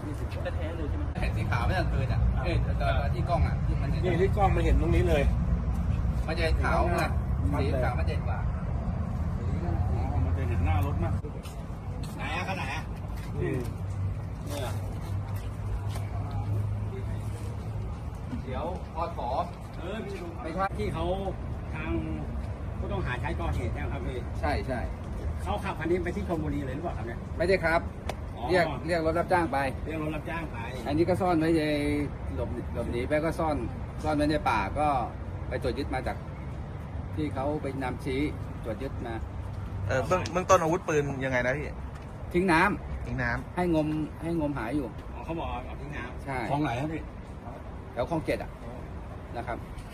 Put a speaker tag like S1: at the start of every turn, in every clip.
S1: 20แท้เลยใช่ไหม
S2: เห็นสีขาวไม่ตั้งคืนอ่ะตอนที่กล้องอ่ะที่มันนี่
S3: ที่กล้องมันเห็นตรงนี้เลย
S2: มันจะขาวไงสีขาวมันเด่นกว่า
S3: มันจะเห็นหน้ารถมาก
S2: ไหนอ่ะขนาดไหน
S3: เนี่ย
S2: เดี๋ยวพอถอไม่ใช่
S4: ที่เขาทางผู้ต้องหาใช้ก่อเหตุนะครับพี่
S2: ใช่ใช่
S4: เขาขับคันนี้ไปที่ชลบุรีเลยหรือเปล่าครับเนี่ย
S2: ไม่ได้ครับ
S4: อ๋อ
S2: เรียกรถรับจ้างไป
S4: เรียกรถรับจ้างไป
S2: อันนี้ก็ซ่อนไว้ในหลบหนีไปก็ซ่อนไว้ในป่าก็ไปตรวจยึดมาจากที่เขาไปนำชี้ตรวจยึดมา
S5: เบื้องต้นอาวุธปืนยังไงนะพี่
S2: ทิ้งน้ำ
S5: ทิ้งน้
S2: ให้งมหาอยู่
S4: อ๋อเขาบอกเอาทิ้งน้ำ
S2: ใช่
S3: ของไหนครับพี่
S2: แถวคลองเจ็ดอ่ะนะครับ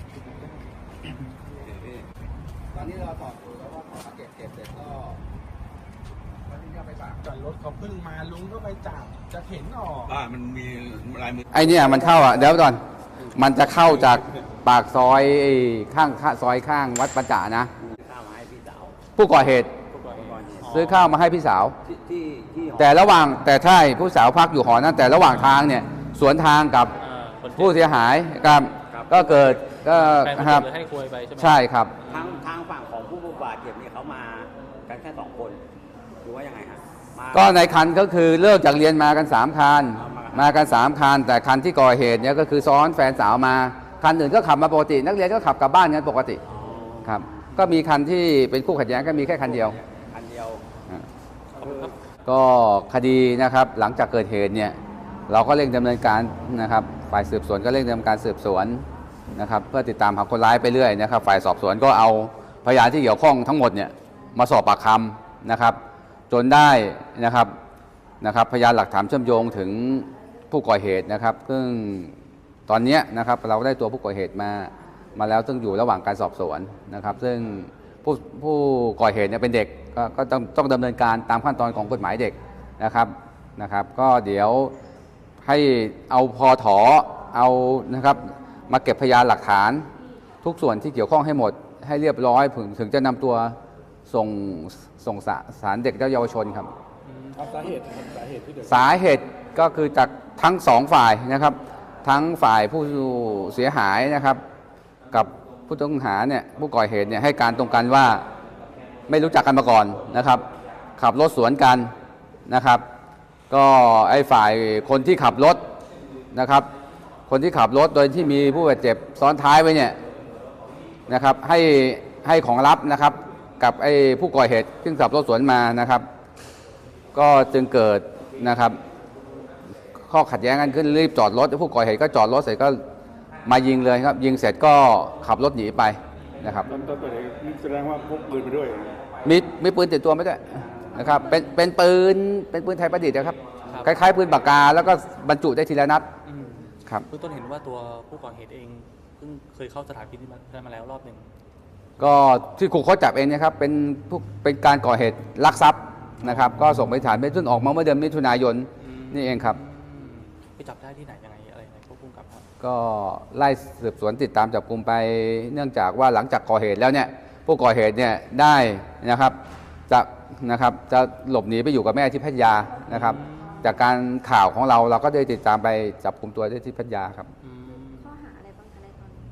S2: ตอนนี้เราต่ออยู่แล้วว่าขอเก็บเสร็จก็วันนี้ไปป่า
S3: จอดรถเขาเพิ่งมาลุงก็ไปจับจะเห็นออกมันมีลายมือ
S2: ไอเนี่ยมันเข้าอ่ะเดี๋ยวก่อนมันจะเข้าจากปากซอยข้างซอยข้างวัดประจ่านะ
S4: ข้าวมาให้พี่สาว
S2: ผู้ก่อเหตุ
S4: ผู้ก่อเหตุ
S2: ซื้อข้าวมาให้พี่สาว
S4: ที่หอ
S2: แต่ระหว่างแต่ใช่ผู้สาวพักอยู่หอนั้นแต่ระหว่างทางเนี่ยสวนทางกับผู้เสียหายครับก็เกิดก็
S1: แฟน
S2: ครับ
S1: เลยให้คุยไปใช่ไหม
S2: ใช่ครับ
S4: ทางฝั่งของผู้บาดเจ็บเนี่ยเขามากันแค่2 คนหรือว่ายังไงฮะมา
S2: ก็ในคันก็คือเลิกจากเรียนมากัน3คันมากัน3คันแต่คันที่ก่อเหตุเนี่ยก็คือซ้อนแฟนสาวมาคันอื่นก็ขับมาปกตินักเรียนก็ขับกลับบ้านกันปกติครับก็มีคันที่เป็นคู่ขัดแย้งก็มีแค่คันเดียว
S4: คันเดียว
S2: ก็คดีนะครับหลังจากเกิดเหตุเนี่ยเราก็เร่งดำเนินการนะครับฝ่ายสืบสวนก็เร่งดำเนินการสืบสวนนะครับเพื่อติดตามหาคนร้ายไปเรื่อยนะครับฝ่ายสอบสวนก็เอาพยานที่เกี่ยวข้องทั้งหมดเนี่ยมาสอบปากคำนะครับจนได้นะครับพยานหลักฐานเชื่อมโยงถึงผู้ก่อเหตุนะครับซึ่งตอนนี้นะครับเราได้ตัวผู้ก่อเหตุมาแล้วซึ่งอยู่ระหว่างการสอบสวนนะครับซึ่งผู้ก่อเหตุเนี่ยเป็นเด็กก็ต้องดำเนินการตามขั้นตอนของกฎหมายเด็กนะครับก็เดี๋ยวให้เอาพอถอเอานะครับมาเก็บพยานหลักฐานทุกส่วนที่เกี่ยวข้องให้หมดให้เรียบร้อยถึงจะนำตัวส่งศาลเด็กและเยาวชนครับ
S3: สาเหตุที่เกิด
S2: สาเหตุก็คือจากทั้ง2ฝ่ายนะครับทั้งฝ่ายผู้เสียหายนะครับกับผู้ต้องหาเนี่ยผู้ก่อเหตุเนี่ยให้การตรงกันว่าไม่รู้จักกันมาก่อนนะครับขับรถสวนกันนะครับก็ไอ้ฝ่ายคนที่ขับรถนะครับคนที่ขับรถโดยที่มีผู้บาดเจ็บซ้อนท้ายไว้เนี่ยนะครับให้ของลับนะครับกับไอ้ผู้ก่อเหตุซึ่งขับรถสวนมานะครับก็จึงเกิดนะครับข้อขัดแย้งกันขึ้นรีบจอดรถผู้ก่อเหตุก็จอดรถเสร็จก็มายิงเลยครับยิงเสร็จก็ขับรถหนีไปนะครับ
S3: ตอนเกิดเหตุแสดงว่าพกปืนไปด้วย
S2: มีปืนติดตัวไม่ได้นะครับเป็นปืนไทยประดิษฐ์นะครับคล้ายๆปืนปากกาแล้วก็บรรจุได้ทีละนัดครับ
S1: เบื้องต้นเห็นว่าตัวผู้ก่อเหตุเองเพิ่งเคยเข้าสถานพินิจมาแล้วรอบหนึ่ง
S2: ก็ที่ครูเขาจับเองนะครับเป็นการก่อเหตุลักทรัพย์นะครับก็ส่งไปฐานเป็นซึ่งออกมาเมื่อเดือนมิถุนายนนี่เองครับ
S1: ไปจับได้ที่ไหนยังไงอะไรยังไงควบคุมกับครับ
S2: ก็ไล่สืบสวนติดตามจับกลุ่มไปเนื่องจากว่าหลังจากก่อเหตุแล้วเนี่ยผู้ก่อเหตุเนี่ยได้นะครับจะหลบหนีไปอยู่กับแม่ที่พัทยานะครับจากการข่าวของเราก็ได้ติดตามไปจับกลุ่มตัวได้ที่พัทยาครับ
S6: ข้อหาอะไรบ้างคะในตอนนี้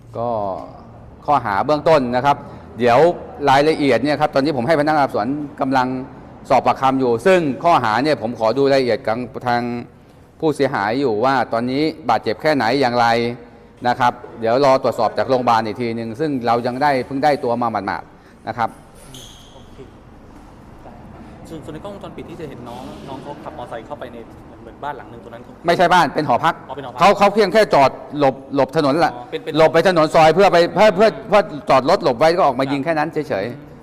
S2: ก็ข้อหาเบื้องต้นนะครับ เดี๋ยวรายละเอียดเนี่ยครับตอนนี้ผมให้พนักงานสอบสวนกำลังสอบปากคำอยู่ ซึ่งข้อหาเนี่ยผมขอดูรายละเอียดกับทางผู้เสียหายอยู่ว่าตอนนี้บาดเจ็บแค่ไหนอย่างไรนะครับเดี๋ยวรอตรวจสอบจากโรงพยาบาลอีกทีหนึ่งซึ่งเรายังเพิ่งได้ตัวมาหมาดๆนะครับ
S1: ส่วนในกล้องวงจรปิดที่จะเห็นน้องเขาขับมอเตอร์ไซค์เข้าไปในเหมือนบ้านหลังหนึ่งตรงนั้น
S2: ไม่ใช่บ้านเป็นหอพัก
S1: อ๋อเป็นหอพัก
S2: เขาเพียงแค่จอดหลบถนนแหละ
S1: อ๋อเป็น
S2: หลบไปถนนซอยเพื่อจอดรถหลบไว้ก็ออกมายิงแค่นั้นเฉยๆ